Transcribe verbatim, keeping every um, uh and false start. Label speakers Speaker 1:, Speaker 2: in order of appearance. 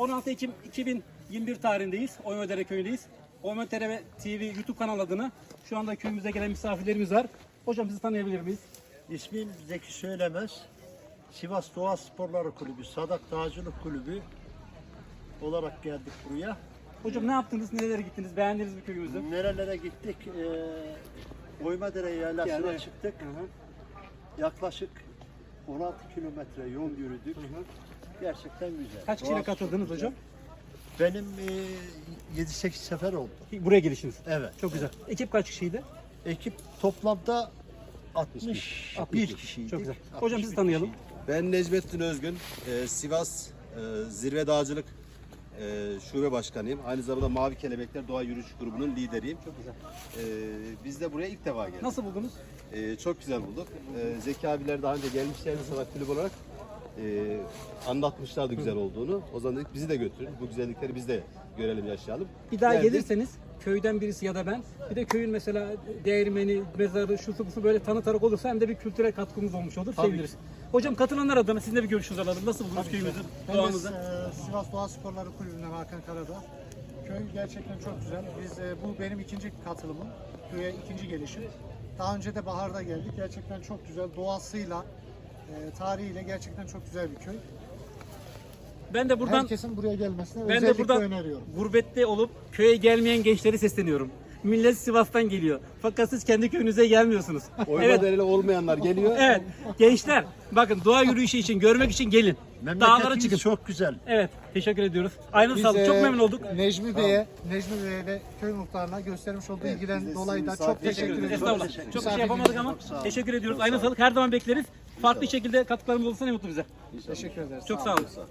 Speaker 1: on altı Ekim iki bin yirmi bir tarihindeyiz. Oymodere köyündeyiz. Oymodere T V YouTube kanalı adına şu anda köyümüze gelen misafirlerimiz var. Hocam sizi tanıyabilir miyiz?
Speaker 2: İsmim Zeki Söylemez. Sivas Doğa Sporları Kulübü, Sadak Dağcılık Kulübü olarak geldik buraya.
Speaker 1: Hocam ne yaptınız? Nerelere gittiniz? Beğendiniz mi köyümüzü?
Speaker 2: Nerelere gittik? Ee, Oymodere yaylasına
Speaker 1: Yani-
Speaker 2: çıktık.
Speaker 1: Hı hı.
Speaker 2: Yaklaşık on altı kilometre yol yürüdük. Gerçekten güzel.
Speaker 1: Kaç kişiyle
Speaker 2: Doğası çok
Speaker 1: katıldınız
Speaker 2: güzel.
Speaker 1: hocam?
Speaker 2: Benim e, yedi sekiz sefer oldu.
Speaker 1: Buraya gelişiniz.
Speaker 2: Evet.
Speaker 1: Çok güzel. Ekip kaç kişiydi?
Speaker 2: Ekip toplamda altmış bir
Speaker 1: altmış.
Speaker 2: kişiydi.
Speaker 1: Çok güzel. Hocam sizi tanıyalım.
Speaker 3: Ben Necmettin Özgün, e, Sivas e, Zirve Dağcılık e, Şube Başkanıyım. Aynı zamanda Mavi Kelebekler Doğa Yürüyüş Grubu'nun lideriyim.
Speaker 1: Çok güzel.
Speaker 3: E, biz de buraya ilk defa geldik.
Speaker 1: Nasıl buldunuz?
Speaker 3: E, çok güzel bulduk. E, Zeki abiler daha önce gelmişlerdi sanat kulübü olarak. E, anlatmışlardı güzel olduğunu. O zaman dedik bizi de götürün. Bu güzellikleri biz de görelim, yaşayalım.
Speaker 1: Bir daha
Speaker 3: Geldik.
Speaker 1: gelirseniz köyden birisi ya da ben, bir de köyün mesela değirmeni, mezarı, şusu busu böyle tanıtarak olursa hem de bir kültürel katkımız olmuş olur.
Speaker 2: Tabii
Speaker 1: Seviniriz. Hocam katılanlar adına sizin de bir görüşünüzü alalım. Nasıl buldunuz köyümüzü,
Speaker 4: Ben de
Speaker 1: doğamızı?
Speaker 4: e, Sivas Doğa Sporları Kulübü'nden Hakan Karadağ. Köy gerçekten çok güzel. Biz e, bu benim ikinci katılımım. Köye ikinci gelişim. Daha önce de baharda geldik. Gerçekten çok güzel. Doğasıyla, e, tarihiyle gerçekten çok güzel bir köy.
Speaker 1: Ben de buradan
Speaker 4: Herkesin buraya gelmesini
Speaker 1: ben de
Speaker 4: özellikle
Speaker 1: buradan
Speaker 4: öneriyorum.
Speaker 1: gurbette olup köye gelmeyen gençleri sesleniyorum. Millet Sivas'tan geliyor. Fakat siz kendi köyünüze gelmiyorsunuz. evet.
Speaker 3: Oymadereli olmayanlar geliyor.
Speaker 1: Evet. Gençler bakın doğa yürüyüşü için, görmek için gelin. Dağlara
Speaker 2: Memleketimiz
Speaker 1: çıkın.
Speaker 2: çok güzel.
Speaker 1: Evet. Teşekkür ediyoruz. Aynı
Speaker 4: Biz,
Speaker 1: sağlık. Çok
Speaker 4: e,
Speaker 1: memnun olduk.
Speaker 4: Necmi Bey'e, Necmi Bey'e ve köy muhtarına göstermiş olduğu ilgiden dolayı da çok teşekkür ediyorum.
Speaker 1: Estağfurullah.
Speaker 2: teşekkür
Speaker 1: Çok bir
Speaker 4: ederim.
Speaker 1: şey yapamadık ama teşekkür ediyoruz. Aynı sağlık. Her zaman bekleriz. Farklı şekilde katkılarımız olursa ne mutlu bize.
Speaker 4: Teşekkür ederiz.
Speaker 1: Çok sağ olun.